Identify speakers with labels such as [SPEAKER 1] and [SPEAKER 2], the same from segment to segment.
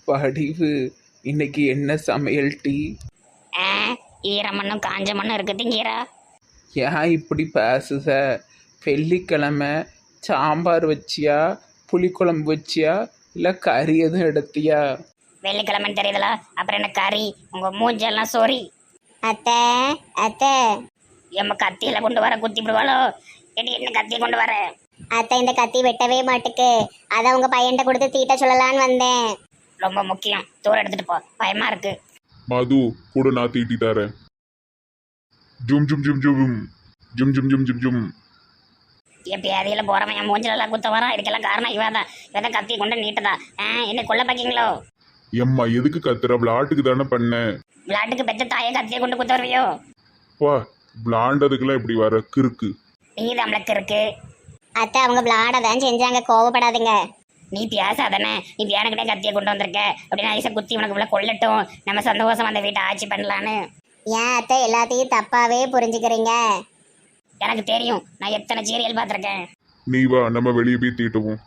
[SPEAKER 1] வடிவு இன்னைக்கு என்ன சமையல் டீ?
[SPEAKER 2] ஆ ஈரமண்ணும் காஞ்ச மண்ணும் இருக்கு திங்கீரா.
[SPEAKER 1] ஏன் இப்படி பேசுத? வெள்ளிக்கிழமை சாம்பார் வச்சியா, புளிக்குழம்பு வச்சியா, இல்லை கறி எதுவும் எடுத்தியா?
[SPEAKER 2] வெள்ளிக்கிழமைன்னு தெரியுதுல, அப்புறம் என்ன கறி? உங்க மூஞ்செல்லாம் சொறி.
[SPEAKER 3] அத்தை அத்தை
[SPEAKER 2] எம்ம கத்தியில கொண்டு வர குத்தி விடுவாளோ? என்ன கத்தியை கொண்டு வர?
[SPEAKER 3] அத்தை இந்த கத்தி வெட்டவே மாட்டுக்கு. அதை உங்க பையன்கிட்ட கொடுத்து தீட்ட சொல்லலான்னு வந்தேன்.
[SPEAKER 2] ரொம்ப முக்கியம், தூரம் எடுத்துட்டு போ, பயமா இருக்கு.
[SPEAKER 4] மது கூட நான் தீட்டி தரேன். ஜும் ஜும் ஜும் ஜும் ஜும் ஜும் ஜும் ஜும் ஜும்.
[SPEAKER 2] எப்பயாதியில போறவன் என் மூஞ்சிலெல்லாம் குத்த வரான். இதுக்கெல்லாம் காரணம் இவதான் கத்தியை கொண்டு நீட்டதா. என்ன கொல்ல பாக்கீங்களோ?
[SPEAKER 4] எம்மா எதுக்கு கத்துற? விளாட்டுக்கு தானே பண்ணேன்.
[SPEAKER 2] விளாட்டுக்கு பெத்த தாயை கத்தியை கொண்டு குத்த வருவியோ?
[SPEAKER 4] வா, விளாண்டதுக்கெல்லாம் இப்படி வர கிறுக்கு.
[SPEAKER 2] நீ நம்மளுக்கு இருக்கு.
[SPEAKER 3] அத்தை அவங்க விளாடதான் செஞ்சாங்க, கோவப்படாதுங்க.
[SPEAKER 2] நீ பேசாதானே? நீ பேனுக்கிட்டே கத்தியை கொண்டு வந்திருக்க அப்படின்னு ஐசா குத்தி உனக்கு இவ்வளோ கொல்லட்டும், நம்ம சந்தோஷம் அந்த வீட்டை ஆட்சி பண்ணலான்னு.
[SPEAKER 3] ஏன் அத்தை எல்லாத்தையும் தப்பாவே புரிஞ்சுக்கிறீங்க?
[SPEAKER 2] எனக்கு தெரியும், நான் எத்தனை சீரியல் பார்த்துருக்கேன்.
[SPEAKER 4] நீ வா, நம்ம வெளியே போய் தீட்டுவோம்.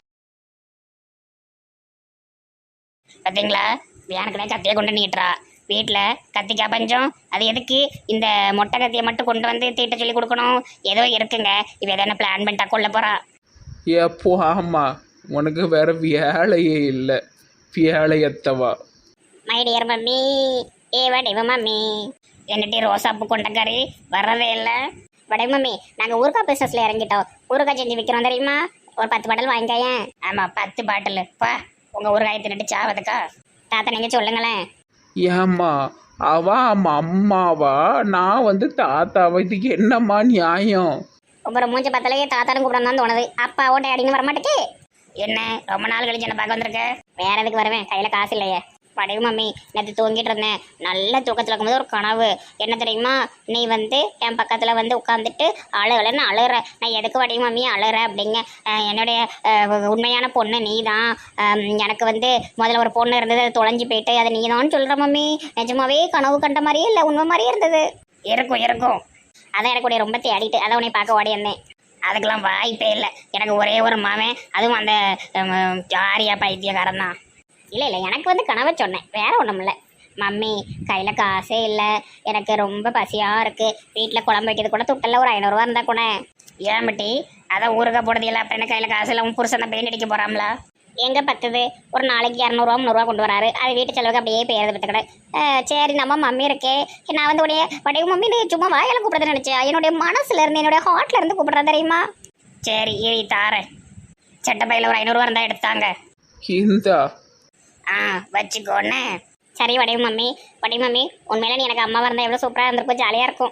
[SPEAKER 2] பார்த்தீங்களா, பேனுக்கிட்டே கத்தியை கொண்டு நீட்டுறா. வீட்டில் கத்திக்காய் பஞ்சம். அது எதுக்கு இந்த மொட்டை கத்தியை மட்டும் கொண்டு வந்து தீட்ட சொல்லி கொடுக்கணும்? ஏதோ இருக்குங்க, இவ எதனா பிளான் பண்ணிட்டா கொள்ள போறா.
[SPEAKER 1] எப்போ ஆமா, உனக்கு வேற வேலையே இல்லை. வேலையத்தவா
[SPEAKER 2] மை டியர் மம்மி, வடிவ மம்மி. என்னட்டி ரோசாப்பு கொண்டக்காரி வர்றதே இல்லை. வடிவ மம்மி, நாங்கள் ஊறுகாய் பிஸ்னஸில் இறங்கிட்டோம். ஊறுகாய் செஞ்சு விற்கிறோம் தெரியுமா? ஒரு 10 பாட்டில் வாங்கிக்காயேன். ஆமாம், 10 பாட்டில். பா, உங்கள் ஊறுகாயை தின்னுட்டு சாவதுக்கா? தாத்தா நீங்கள் சொல்லுங்களேன்.
[SPEAKER 1] ஏம்மா அவா அம்மாவா, நான் தாத்தாவா? இதுக்கு என்னம்மா நியாயம்?
[SPEAKER 2] உங்களோட மூஞ்ச பார்த்தாலே தாத்தாரும் கூப்பிடணும் தான் தோணுது. அப்பா ஓட்டை அடின்னு வர மாட்டேக்கு. என்ன ரொம்ப நாள் கழிச்சு என்ன பார்க்க வந்திருக்க? வேற எதுக்கு வருவேன், கையில் காசு இல்லையே. படையும் மம்மி, நேற்று தூங்கிட்டு இருந்தேன். நல்ல தூக்கத்தில் இருக்கும்போது ஒரு கனவு. என்ன தெரியுமா? நீ என் பக்கத்தில் உட்காந்துட்டு அழுகலன்னு அழுகிற. நான் எதுக்கு வடையும் மம்மி அழுகிற அப்படிங்க. என்னுடைய உண்மையான பொண்ணு நீ தான். எனக்கு முதல்ல ஒரு பொண்ணு இருந்தது, அது தொலைஞ்சி போயிட்டு, அதை நீ தான் சொல்கிற மம்மி. நிஜமாவே கனவு கண்ட மாதிரியே இல்லை, உண்மை மாதிரியே இருந்தது. இருக்கும். அதான் எனக்கு ரொம்ப தேடிட்டு அதை உன்னை பார்க்க ஓடி இருந்தேன். அதுக்கெல்லாம் வாய்ப்பே இல்லை. எனக்கு ஒரே ஒரு மாவன், அதுவும் அந்த ஆரியா பைத்தியக்காரன் தான். இல்லை எனக்கு கனவை சொன்னேன், வேற ஒன்றும் இல்லை. மம்மி கையில் காசே இல்லை, எனக்கு ரொம்ப பசியாக இருக்குது. வீட்டில் குழம்பு வைக்கிறது கூட துட்டெல்லாம் ஒரு 500 ரூபா இருந்தால் கூட. ஏன் பட்டி, அதான் ஊருக்கா போடுறது இல்லை, அப்புறம் என்ன கையில் காசு இல்லை? உன் புருஷன் தான் பெயிண்ட் அடிக்க போகிறாங்களா? எங்கே பத்துது? ஒரு நாளைக்கு 200 ரூபா 300 ரூபா கொண்டு வராரு. அது வீட்டு செலவுக்கு அப்படியே பேரது பத்துக்கிட. சரி, நம்ம மம்மி இருக்கே. நான் உடைய வடைய மம்மி சும்மா வாயால் கூப்பிட்றதுன்னு நினச்சேன். என்னுடைய மனசுல இருந்து, என்னுடைய ஹார்ட்ல இருந்து கூப்பிட்றேன் தெரியுமா? சரி இரு தாரேன். சட்டப்பையில் ஒரு 500 ரூபா இருந்தால் எடுத்தாங்க.
[SPEAKER 1] இந்தா
[SPEAKER 2] வச்சுக்கோன்னு. சரி வடிவு மம்மி, உண்மையில நீ எனக்கு அம்மாவாக இருந்தால் எவ்வளோ சூப்பராக இருந்திருக்கும், ஜாலியாக இருக்கும்.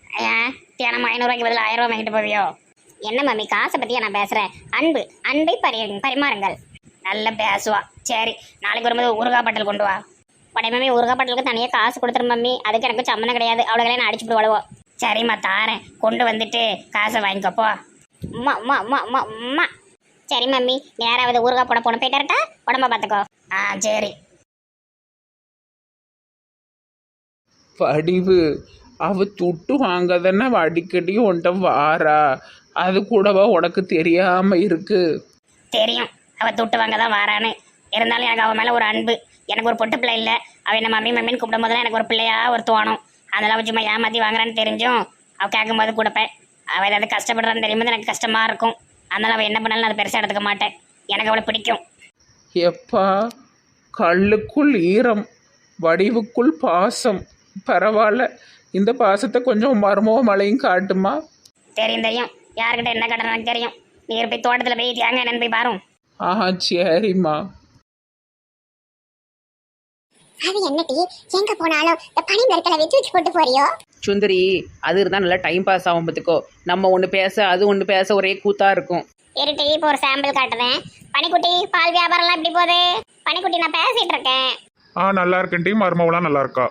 [SPEAKER 2] தினம் 500 ரூபாய்க்கு பதில் 1000 ரூபா வாங்கிட்டு போவியோ? என்ன மம்மி, காசை பற்றியா நான் பேசுகிறேன்? அன்பை பரிமாறுங்கள். நல்லா பேசுவா. சரி, நாளைக்கு வரும்போது ஊறுகாய் பாட்டில் கொண்டு வா. வடிவு மம்மி, ஊறுகாய் பாட்டிலுக்கு தனியாக காசு கொடுத்துரு மம்மி. அதுக்கு எனக்கு சம்மந்தம் கிடையாது. அவ்வளோகளே நான் அடிச்சுட்டு வழுவோம். சரிம்மா தாரேன், கொண்டு வந்துட்டு காசை வாங்கிக்கப்போ. அம்மா சரி மம்மி, நேராவது ஊறுகாய் போட போன போயிட்டாரட்டா, உடம்ப பார்த்துக்கோ. சரி.
[SPEAKER 1] வடிவு அவ துட்டு வாங்கதானே அடிக்கடி உன்ட்ட வாரா, அது கூடவா உனக்கு தெரியாம இருக்கு?
[SPEAKER 2] தெரியும், அவள் துட்டு வாங்க தான் வாரான்னு. இருந்தாலும் எனக்கு அவன் மேலே ஒரு அன்பு. எனக்கு ஒரு பொட்டு பிள்ளை இல்லை. அவள் என்ன மம்மின்னு கூப்பிடும் போதெல்லாம் எனக்கு ஒரு பிள்ளையா ஒரு தோணும். அதெல்லாம் அவள் சும்மா ஏமாற்றி வாங்குறான்னு தெரிஞ்சும் அவள் கேட்கும்போது கொடுப்பேன். அவள் ஏதாவது கஷ்டப்படுறான்னு தெரியும்போது எனக்கு கஷ்டமாக இருக்கும். அதனால் அவள் என்ன பண்ணாலும் அதை பெருசாக எடுத்துக்க மாட்டேன். எனக்கு அவளை பிடிக்கும்.
[SPEAKER 1] எப்பா, கல்லுக்குள் ஈரம், வடிவுக்குள் பாசம். பரவாயில்ல, இந்த பாசத்தை கொஞ்சம் மர்மோ மழையும் காட்டுமா?
[SPEAKER 2] தெரியும். யாருக்கிட்ட என்ன கடன் எனக்கு தெரியும். நீர் போய் தோட்டத்தில் போய் தேங்க என்னன்னு போய் பாரும்.
[SPEAKER 1] சரிம்மா.
[SPEAKER 3] அது என்னடி, எங்க போனாலும் இந்த பனி மரத்துல வச்சு போட்டு போறியோ?
[SPEAKER 5] சுந்தரி, அது இருந்தால் நல்லா டைம் பாஸ் ஆகும். பார்த்துக்கோ, நம்ம ஒன்று பேச அது ஒன்று பேச ஒரே கூத்தா இருக்கும்.
[SPEAKER 3] இருட்டி, இப்போ ஒரு சாம்பிள் காட்டுறேன். பனிக்குட்டி, பால் வியாபாரம்லாம் எப்படி போகுது? பனிக்குட்டி, நான் பேசிட்டு இருக்கேன்.
[SPEAKER 4] நல்லா இருக்கேன் டீ. மருமவளாம் நல்லா இருக்கா?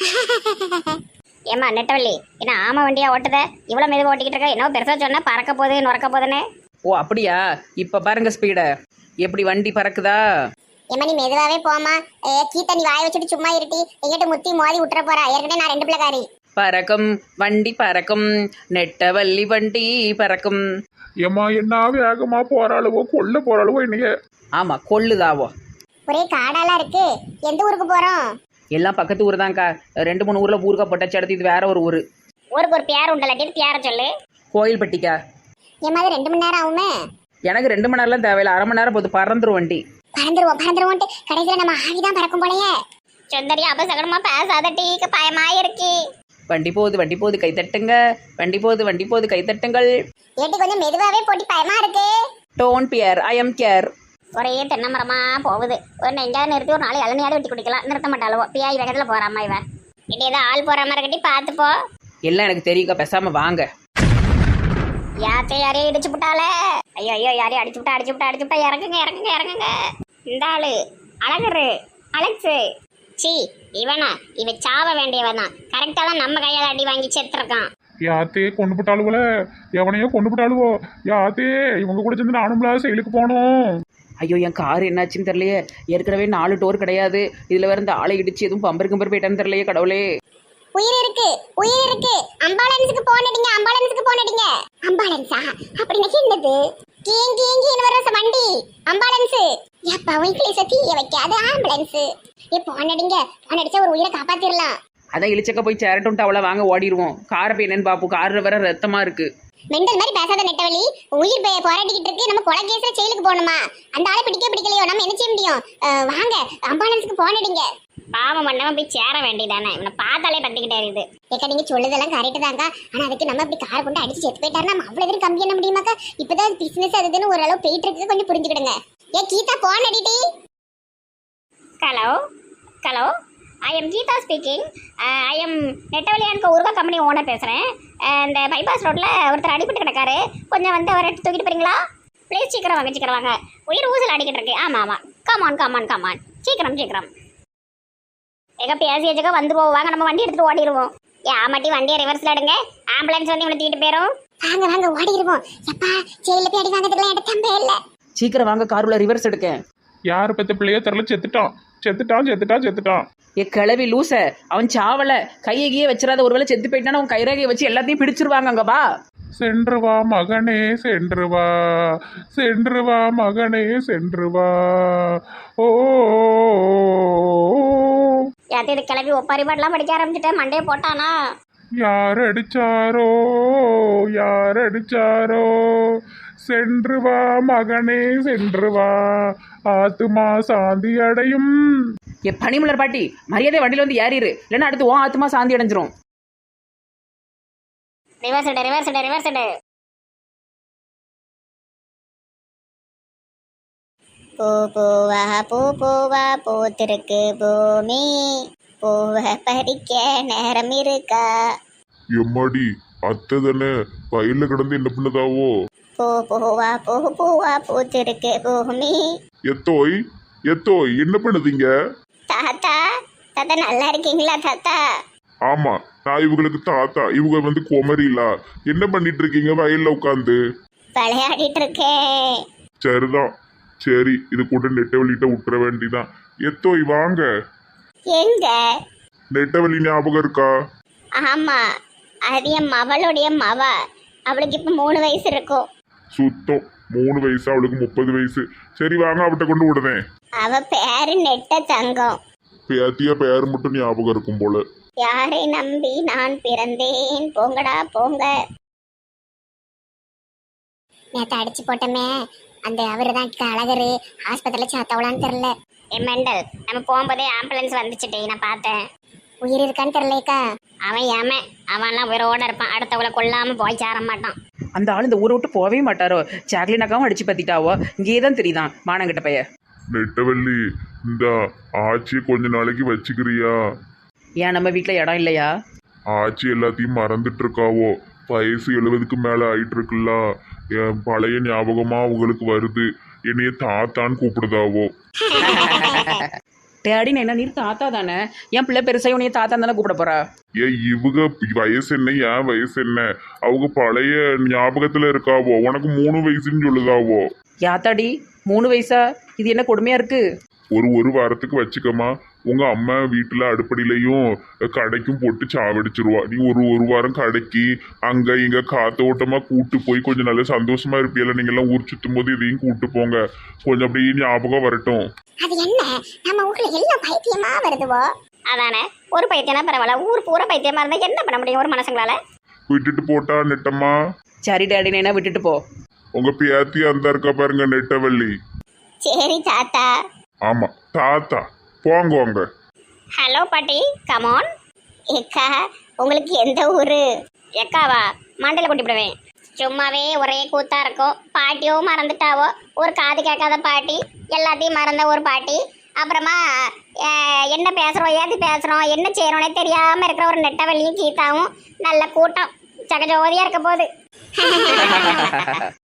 [SPEAKER 3] ஏமா நெட்டவள்ளி, என்ன ஆமா வண்டியா ஓட்டுத? இவ்வளோ மெதுவாக ஓட்டிக்கிட்டு இருக்க? என்ன பெருசாக சொன்னா பறக்க போகுது நுறக்க போகுதுன்னு.
[SPEAKER 5] ஓ அப்படியா? இப்போ பாருங்க ஸ்பீடை, எப்படி வண்டி பறக்குதா?
[SPEAKER 3] ஏமா நீ மெதுவாகவே போமா. கீதா, நீ வாய வச்சுட்டு சும்மா இருட்டி. எங்கிட்ட முத்தி மோதி விட்டுற போறா. ஏற்கனவே நான் 2 பிள்ளைக்காரி.
[SPEAKER 5] பறக்கும் வண்டி பறக்கும், நெட்டவள்ளி வண்டி பறக்கும்.
[SPEAKER 4] ஏம்மா என்ன வேகமா போறாளுவோ, கொல்ல போறாளுவோ என்னைய.
[SPEAKER 5] ஆமாம், கொள்ளுதாவோ.
[SPEAKER 3] ஒரே காடாலாம் இருக்கு. எந்த ஊருக்கு போறோம்?
[SPEAKER 5] எல்லாம் பக்கத்து ஊர் தான்க்கா. 2-3 ஊரில் ஊருக்கா போட்டாச்சு. அடுத்து இது வேற ஒரு ஊர்.
[SPEAKER 2] ஊருக்கு ஒரு பேர் உண்டல்லாட்டி பேரை சொல்லு.
[SPEAKER 5] கோயில்பட்டிக்கா.
[SPEAKER 3] என் மாதிரி 2 மணி நேரம் ஆகுமே.
[SPEAKER 5] எனக்கு 2 மணி நேரம்லாம் தேவையில்லை, 1/2 மணி நேரம் போது பறந்துரும் வண்டி.
[SPEAKER 3] பறந்துருவோம் கடைசியில நம்ம ஆவிதான் பறக்கும் போலயே.
[SPEAKER 2] சுந்தரி அபசகனமா பேசாத டீக்கு பயமா இருக்கு.
[SPEAKER 5] வண்டி போகுது கை தட்டுங்க. வண்டி போகுது கை தட்டுங்கள்.
[SPEAKER 3] ஏட்டி கொஞ்சம் மெதுவாவே போட்டி பயமா இருக்கு.
[SPEAKER 5] Don't fear, I am care.
[SPEAKER 2] ஒரே தென்னை மரமா போகுது. ஒரு எங்கேயாவது நிறுத்தி ஒரு 4 இளநியாவது வெட்டி குடிக்கலாம். நிறுத்த மாட்டாளவோ பியாய் வேகத்துல போறாமா இவன். இடி ஏதோ ஆள் போற மாதிரி கட்டி பார்த்துப்போ.
[SPEAKER 5] எல்லாம் எனக்கு தெரியுக்கா, பேசாம வாங்க.
[SPEAKER 2] யாரையும் இடிச்சு விட்டாலே. ஐயோ யாரையும் அடிச்சு விட்டா இறங்குங்க. இந்த ஆளு அழகரு அலெக்ஸு. சி இவன் சாவ வேண்டியவன் தான். கரெக்டா தான் நம்ம கையால் அடி வாங்கி செத்துருக்கான்.
[SPEAKER 4] யாத்தே கொண்டு போட்டாளுவோல, எவனையோ கொண்டு போட்டாளுவோ. யாத்தே இவங்க கூட சேர்ந்து நானும்ல செயலுக்கு போனோம்.
[SPEAKER 5] ஐயோ, என் கார் என்னாச்சுன்னு தெரியலையே. ஏற்கனவே 4 டோர் கிடையாது. இதுல வேற இந்த ஆளை இடிச்சு எதுவும் பம்பர் போயிட்டான்னு தெரியலையே கடவுளே.
[SPEAKER 3] உயிர் இருக்கு. அம்பாலன்ஸுக்கு போன் அடிங்க. அம்பாலன்ஸா அப்படின்னா என்னது? கீங்கி வர வண்டி அம்பாலன்ஸ். எப்பா இங்கிலீஷ்ல தீய வைக்காது ஆம்புலன்ஸ். போன் அடிச்சா ஒரு உயிரை காப்பாத்திரலாம்.
[SPEAKER 5] அதான் இழிச்சக்க போய் சேரட்டும் அவளை வாங்க ஓடிடுவோம். காரை போய் என்னன்னு பாப்போம். காரில் வேற ரத்தமா இருக்கு.
[SPEAKER 3] மெண்டல் மாதிரி பேசாத நெட்டவழி. உயிர் போராடிக்கிட்டு இருக்கு. நம்ம கொலை கேஸ்ல ஜெயிலுக்கு போகணுமா? அந்த ஆளை பிடிக்கலையோ நம்ம என்ன செய்ய முடியும்? வாங்க அம்பாலன்ஸுக்கு போன் அடிங்க.
[SPEAKER 2] பாவம் பண்ணாம போய் சேர வேண்டியதானே. இவனை பார்த்தாலே பத்திக்கிட்டே இருக்குது.
[SPEAKER 3] ஏக்கா நீங்க சொல்லுதெல்லாம் கரெக்ட் தாங்க. ஆனா அதுக்கு நம்ம இப்படி காரை கொண்டு அடிச்சு செத்து போயிட்டாருன்னா நம்ம அவ்வளவு தூரம் கம்மி பண்ண முடியுமாக்கா? இப்பதான் பிசினஸ் அதுன்னு ஓரளவு போயிட்டு இருக்கு. கொஞ்சம் புரிஞ்சுக்கிடுங்க. கீதா போன் அடிட்டி.
[SPEAKER 2] Hello I am Geetha speaking. I am நெட்டவழியானுக்கு ஊருகா கம்பெனி ஓனர் பேசுகிறேன். இந்த பைபாஸ் ரோட்டில் ஒருத்தர் அடிபட்டு கிடக்காரு. கொஞ்சம் வந்து அவரை தூக்கிட்டு போறீங்களா ப்ளீஸ்? சீக்கிரம் வாங்க. உயிர் ஊசல் அடிக்கிட்டு இருக்கு. ஆமாம் கமான் சீக்கிரம். எங்க பேசியச்சுக்கா வந்து போவாங்க. நம்ம வண்டி எடுத்துட்டு ஓடிடுவோம். ஆமாட்டி வண்டியை ரிவர்ஸில் எடுங்க. ஆம்புலன்ஸ் வந்து இவனை தூக்கிட்டு போயிடும்.
[SPEAKER 3] வாங்க ஓடிடுவோம். எப்பா ஜெயில போய் அடி வாங்கிறதுக்குலாம் எனக்கு தம்பே இல்லை.
[SPEAKER 5] சீக்கிரம் வாங்க, காருல ரிவர்ஸ் எடுக்கேன்.
[SPEAKER 4] யார் பத்த பிள்ளையோ தெரியல, செத்துட்டான்.
[SPEAKER 5] ஏ கிளவி லூச, அவன் சாவல. கையையே வச்சிடாத. ஒருவேளை செத்து போயிட்டான அவன் கைரேகையை வச்சு எல்லாத்தையும் பிடிச்சிருவாங்க. அங்க வா.
[SPEAKER 4] சென்று வா மகனே சென்று வா மகனே ஓ.
[SPEAKER 2] யார்கிட்ட கிளம்பி ஒப்பாரி பாட்டெல்லாம் படிக்க ஆரம்பிச்சுட்டேன். மண்டையை போட்டானா?
[SPEAKER 4] யார் அடிச்சாரோ சென்று வா மகனே சென்று வா ஆத்துமா சாந்தி அடையும்.
[SPEAKER 5] ஏ பனிமலர் பாட்டி, மரியாதை வண்டியில வந்து ஏறிடு. இல்லைன்னா அடுத்து ஓ ஆத்துமா சாந்தி அடைஞ்சிரும்.
[SPEAKER 2] ரிவர்ஸ் எடு. பூவா பூத்திருக்கு பூமி. பூவை பறிக்க நேரம் இருக்கா?
[SPEAKER 4] எம்மாடி அத்தை தானே வயல்ல கிடந்து என்ன பண்ணுதாவோ?
[SPEAKER 2] பூவா பூத்திருக்கு பூமி.
[SPEAKER 4] எத்தோய் என்ன பண்ணுதீங்க?
[SPEAKER 2] தாத்தா நல்லா இருக்கீங்களா தாத்தா?
[SPEAKER 4] ஆமா, நான் இவங்களுக்கு தாத்தா. இவங்க வந்து குமரிலா. என்ன பண்ணிட்டு இருக்கீங்க வயல்ல உட்காந்து?
[SPEAKER 2] விளையாடிட்டு இருக்கேன்.
[SPEAKER 4] சரிதான், சரி இது கூட நெட்டவழிட்ட விட்டுற வேண்டிதான். எத்தோய் வாங்க.
[SPEAKER 2] எங்க?
[SPEAKER 4] நெட்டவழி ஞாபகம் இருக்கா?
[SPEAKER 2] ஆமா, அது என் மவளுடைய மவ. அவளுக்கு இப்ப 3 வயசு இருக்கும்.
[SPEAKER 4] சுத்தம் 3 வயசு, அவளுக்கு 30 வயசு. சரி வாங்க, அவட்ட கொண்டு விடுதேன்.
[SPEAKER 2] அவ பேரு நெட்ட தங்கம்.
[SPEAKER 4] பேத்தியா பேரு மட்டும் ஞாபகம் இருக்கும் போல.
[SPEAKER 2] யாரை நம்பி நான் பிறந்தேன், போங்கடா போங்க.
[SPEAKER 3] நேற்று அடிச்சு போட்டோமே அந்த அவரு தான் அழகரு. ஆஸ்பத்திரியில சாத்தவளான்னு தெரியல.
[SPEAKER 2] மெண்டல், நம்ம போகும்போதே ஆம்புலன்ஸ் வந்துச்சுட்டே, நான் பார்த்தேன்.
[SPEAKER 3] உயிர் இருக்கான்னு தெரியலக்கா.
[SPEAKER 2] அவன்லாம் உயிரோட இருப்பான். அடுத்தவளை கொல்லாம போய் சேர மாட்டான்.
[SPEAKER 5] அந்த ஆள் இந்த ஊரை விட்டு போகவே மாட்டாரோ. சாக்லினாக்காவும் அடிச்சு பத்திட்டாவோ. இங்கேயே தான் தெரியுதான் மானங்கிட்ட பைய.
[SPEAKER 4] நெட்டவள்ளி, இந்த ஆட்சியை கொஞ்ச நாளைக்கு வச்சுக்கிறியா?
[SPEAKER 5] ஏன் நம்ம வீட்டில் இடம் இல்லையா?
[SPEAKER 4] ஆட்சி எல்லாத்தையும் மறந்துட்டு இருக்காவோ. வயசு 70க்கு மேல ஆயிட்டு இருக்குல்ல. என் பழைய ஞாபகமா உங்களுக்கு வருது. என்னைய தாத்தான்னு கூப்பிடுதாவோ.
[SPEAKER 5] டேடின்னு என்ன, நீ தாத்தா தானே? என் பிள்ளை பெருசாக உனைய தாத்தா தானே கூப்பிட போறா?
[SPEAKER 4] இவங்க வயசு என்ன, என் வயசு என்ன? அவங்க பழைய ஞாபகத்துல இருக்காவோ. உனக்கு 3 வயசுன்னு சொல்லுதாவோ.
[SPEAKER 5] யாத்தாடி 3 வயசா? இது என்ன கொடுமையா இருக்கு?
[SPEAKER 4] ஒரு வாரத்துக்கு வச்சுக்கமா. உங்க அம்மா வீட்டுல அடுப்படியிலையும் கடைக்கும் போட்டு சாவடிச்சிருவா. நீ ஒரு வாரம் கடைக்கு அங்க இங்க காத்தோட்டமா கூட்டு போய் கொஞ்சம் நல்ல சந்தோஷமா இருப்பியல. நீங்க எல்லாம் ஊர் சுத்தும் போது இதையும் கூட்டு போங்க. கொஞ்சம் அப்படியே ஞாபகம் வரட்டும்.
[SPEAKER 3] அது என்ன நம்ம ஊர்ல எல்லாம் பைத்தியமா வருதுவோ.
[SPEAKER 2] அதானே, ஒரு பைத்தியம்னா பரவாயில்ல, ஊர் பூரா பைத்தியமா இருந்தா என்ன பண்ண முடியும் ஒரு மனுஷங்களால?
[SPEAKER 4] விட்டுட்டு போட்டா நெட்டம்மா.
[SPEAKER 5] சரி டாடி நைனா விட்டுட்டு போ.
[SPEAKER 4] உங்க பேத்தி அந்த இருக்கா பாருங்க, நெட்டவள்ளி.
[SPEAKER 3] சரி தாத்தா.
[SPEAKER 4] ஆமா தாத்தா, போங்க வாங்க.
[SPEAKER 2] ஹலோ பாட்டி, கமான்.
[SPEAKER 3] ஏக்கா உங்களுக்கு எந்த ஊரு?
[SPEAKER 2] எக்காவா? மண்டையில கொட்டிவிடுவேன். சும்மாவே ஒரே கூத்தா இருக்கும். பாட்டியோ மறந்துட்டாவோ, ஒரு காது கேட்காத பாட்டி, எல்லாத்தையும் மறந்த ஒரு பாட்டி. அப்புறமா என்ன பேசுகிறோம், ஏது பேசுகிறோம், என்ன செய்கிறோன்னே தெரியாமல் இருக்கிற ஒரு நெட்டவள்ளியும் கீதாவும் நல்ல கூட்டம். ஜகஜோதியாக இருக்க போகுது.